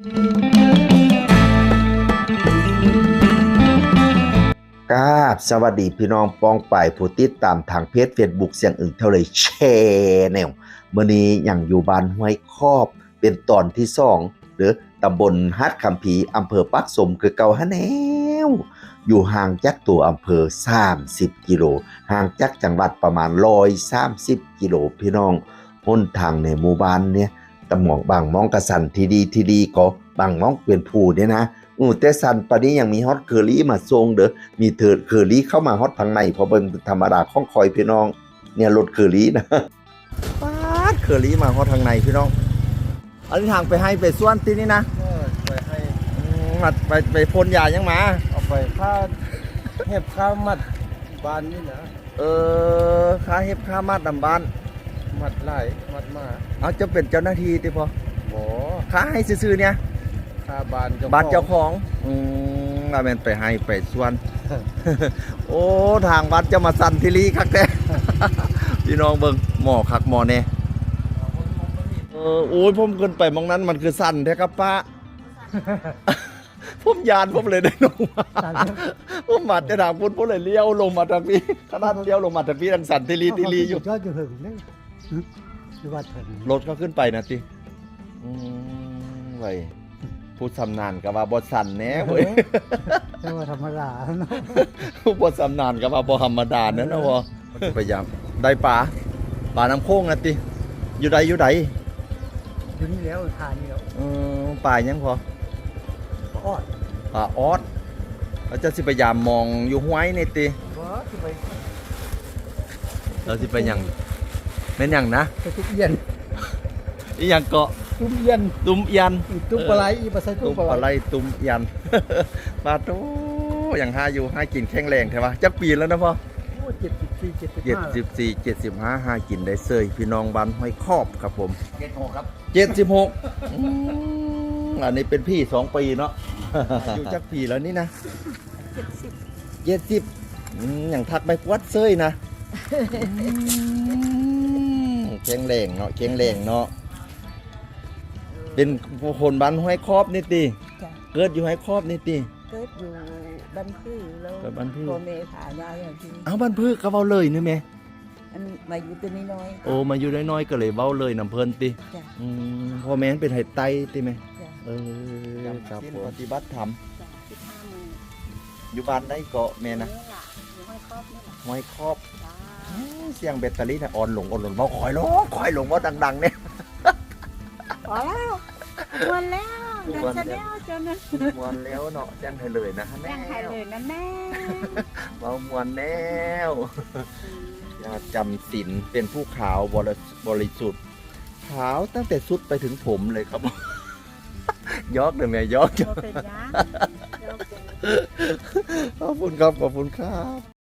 ครับสวัสดีพี่น้องปองป่ายผู้ติดตามทางเพจ Facebook เสียงอึ่งเท่าไรแชร์แนวมื้อนี้ยังอยู่บ้านห้วยคอบเป็นตอนที่2หรือตำบลฮัดคำผีอำเภอปักสมคือเก่าหะแนวอยู่ห่างจากตัวอำเภอ30กิโลห่างจากจังหวัดประมาณ130กิโลพี่น้องหนทางในหมู่บ้านเนี่ยตะหมองบางมองกระสันที่ดีก็บางมองเป็นผู้เนี่ยนะแต่สันปานนี้ยังมีฮอตเคอรี่มาส่งเด้อมีเถิดเคอรี่เข้ามาฮอตทางในเพราะเป็นธรรมดาของคอยพี่น้องเนี่ยรถเคอรี่นะป๊าดเคอรี่มาฮอตทางในพี่น้องอันนี้ทางไปให้ไปส่วนที่นี่นะไปให้มัดไปพ่นยายังมาเอาไปค่าเห็บค่ามัดบ้านนี่นะค่าเฮ็บค่ามัดนำบ้านมัดไหลมัดมาเอาจะเป็นเจ้าหน้าที่ติพอบ่ค่าให้ซื่อๆเนี่ยค่าบ้านเจ้าของแม่นไปให้ไปส่วน โอ้ทางวัดจะมาสั่นทีลีคักแท้ พี่น้องเบิ่งหมอคักหมอแน่โอ้ยผมขึ้นไปมองนั้นมันคือสั่นแท้ครับป้า ผมยานผมเลยได้ลงมาผมมาจะถามคุณผมเลยเลี้ยวลงมาทางนี้ขนาดเลี้ยวลงมาทางนี้ทางสั่นทีลีอยู่ยอดอยู่หึงเลยหรือว่าถึงรถเขาขึ้นไปนะติไว้ผู้ชำนาญกับว่าบ่สั่นแน่เว้ยไม่ว่าธรรมดาเนาะผู้บ่ชำนาญกับว่าบ่ธรรมดานั่นนะวะพยายามได้ปลาน้ำโค้งนะติอยู่ใดอยู่นี่แล้วทานนี่แล้วปลายังพอออดปลาออดเราจะสิพยายามมองอยู่ห้วยนี่ติเราสิไปหยังแม่นหยังนะไปทุกเย็นอีหยังเกาะตุ้มเย็นตุ้มยันตุ้มปลาไหลอีปลาไซตุ้มปลาไหลตุ้มยันปลาโตอย่างห้าอยู่ห้ากินแข็งแรงใช่ปะจักปีแล้วนะพ่อ74 75ห้ากินได้เซยพี่น้องบ้านห้อยคอบครับผม 76ครับ 76อันนี้เป็นพี่2ปีเนาะอยู่จักปีแล้วนี่นะ70อย่างทักไปวัดเซยนะแข็งแรงเนาะแข็งแรงเนาะเป็นคนบ้านห้วยคอบนี่ติเกิดอยู่ห้วยคอบนี่ติเกิดอยู่บ้านพื้แล้วพ่อแม่พายายอย่างที่เอาบ้านพื้ก็เว้าเลยนี่แม่อันมาอยู่ตัวน้อยโอ้มาอยู่น้อยๆก็เลยเว้าเลยนำเพิ่นติพ่อแม่นเป็นไห้ไตติแม่ครับปฏิบัติธรรมอยู่บ้านได้เกาะแม่นะห้วยคอบเสียงแบตเตอรี่น่ะอ่อนลงเว้าค่อยลงเว้าดังๆเนี่ยพอแล้วมวนแล้วเดินซะแล้วจนมวนแล้วเนาะแจ้งให้เลยนะแม่แจ้งให้เลยนะแม่เมามวนแล้วจำศีลเป็นผู้ขาวบริสุทธิ์ขาวตั้งแต่สุดไปถึงผมเลยครับยอกเลยแม่ยอกขอบคุณครับ